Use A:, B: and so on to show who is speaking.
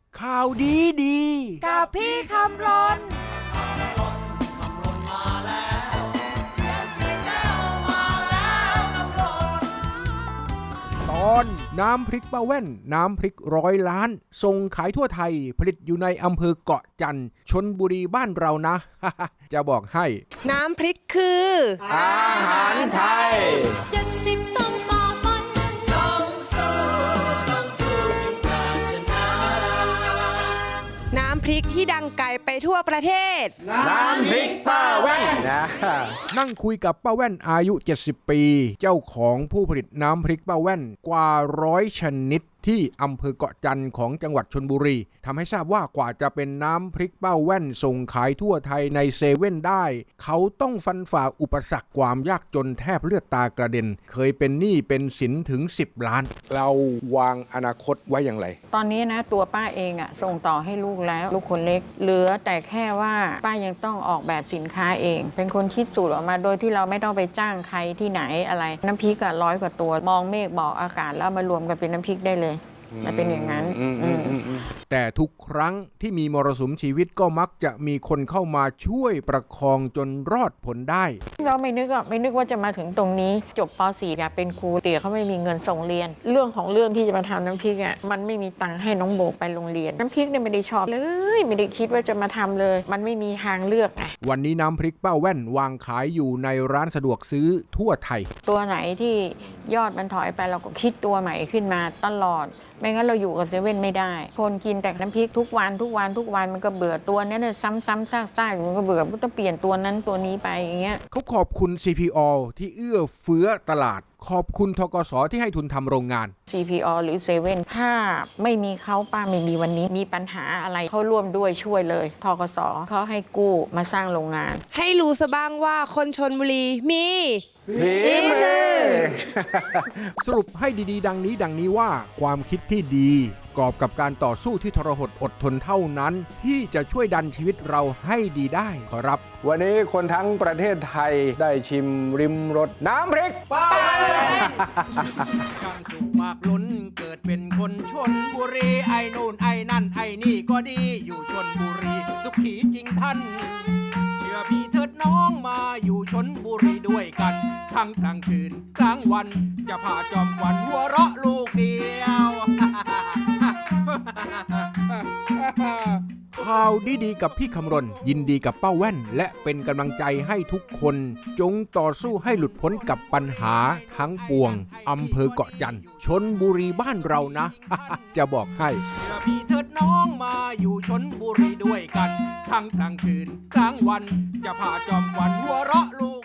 A: ข่าวดีดี
B: กับพี่คำรน
A: ตอนน้ำพริกป้าแว่นน้ำพริก100 ล้านส่งขายทั่วไทยผลิตอยู่ในอำเภอเกาะจันทร์ชลบุรีบ้านเรานะ จะบอกให้
B: น้ำพริกคือ
C: อาหารไทย
D: 70ต้องฝ่าฟันต้องสู้
B: น้ำพริกที่ดังไกลไปทั่วประเทศ
C: น้ำพริกป้าแว่นนะ
A: นั่งคุยกับป้าแว่นอายุ70 ปีเจ้าของผู้ผลิตน้ำพริกป้าแว่นกว่า100 ชนิดที่อำเภอเกาะจันทร์ของจังหวัดชลบุรีทำให้ทราบว่ากว่าจะเป็นน้ำพริกป้าแว่นส่งขายทั่วไทยในเซเว่นได้เขาต้องฟันฝ่าอุปสรรคความยากจนแทบเลือดตากระเด็นเคยเป็นหนี้เป็นสินถึง10 ล้านเราวางอนาคตไว้อย่างไร
E: ตอนนี้นะตัวป้าเองส่งต่อให้ลูกแล้วลูกคนเล็กเหลือแต่แค่ว่าป้ายังต้องออกแบบสินค้าเองเป็นคนคิดสูตรออกมาโดยที่เราไม่ต้องไปจ้างใครที่ไหนอะไรน้ำพริก100 กว่าตัวมองเมฆบอกอากาศแล้วมารวมกันเป็นน้ำพริกได้เลยมันเป็นอย่างนั้น
A: แต่ทุกครั้งที่มีมรสุมชีวิตก็มักจะมีคนเข้ามาช่วยประคองจนรอดผลได้
E: เราไม่นึกว่าจะมาถึงตรงนี้จบป .4 เนี่ยเป็นครูเตี๋ยเขาไม่มีเงินส่งเรียนเรื่องของเรื่องที่จะมาทำน้ำพริกมันไม่มีตังค์ให้น้องโบไปโรงเรียนน้ำพริกเนี่ยไม่ได้ชอบเลยไม่ได้คิดว่าจะมาทำเลยมันไม่มีทางเลือก
A: วันนี้น้ำพริกป้าแว่นวางขายอยู่ในร้านสะดวกซื้อทั่วไทย
E: ตัวไหนที่ยอดมันถอยไปเราก็คิดตัวใหม่ขึ้นมาตลอดไม่งั้นเราอยู่กับเซเว่นไม่ได้คนกินแต่น้ำพริกทุกวันมันก็เบื่อตัวนั้นซ้ำๆซากๆมันก็เบื่อต้องเปลี่ยนตัวนั้นตัวนี้ไปอย่างเงี้ย
A: เขาขอบคุณ CPO ที่เอื้อเฟื้อตลาดขอบคุณธกสที่ให้ทุนทำโรงงาน
E: CPO หรือเซเว่นถ้าไม่มีเขาป้าไม่มีวันนี้มีปัญหาอะไรเขาร่วมด้วยช่วยเลยธกสเขาให้กู้มาสร้างโรงงาน
B: ให้รู้ซะบ้างว่าคนชลบุรีมี
C: ฝีมือ
A: สรุปให้ดีๆดังนี้ว่าความคิดที่ดีกอบกับการต่อสู้ที่ทรหดอดทนเท่านั้นที่จะช่วยดันชีวิตเราให้ดีได้ขอรับ
C: วันนี้คนทั้งประเทศไทยได้ชิมริมรสน้ำพริกป้าแว่น
A: ช่างสุขมากล้นเกิดเป็นคนชลบุรีไอ้นู่นไอ้นั่นไอ้นี่ก็ดีอยู่ชลบุรีสุขีจริงท่านเชื่อพี่เถิดน้องมาอยู่ชลบุรีด้วยกันทั้งกลางคืนกลางวันจะพาจอมขวัญหัวเราะลูกเดียวข่าวดีๆกับพี่คำรณยินดีกับป้าแว่นและเป็นกำลังใจให้ทุกคนจงต่อสู้ให้หลุดพ้นกับปัญหาทั้งปวงอำเภอเกาะจันทร์ชลบุรีบ้านเรานะ จะบอกให้พี่เถิดน้องมาอยู่ชลบุรีด้วยกันทั้งกลางคืนกลางวันจะพาจอมขวัญหัวเราะลูก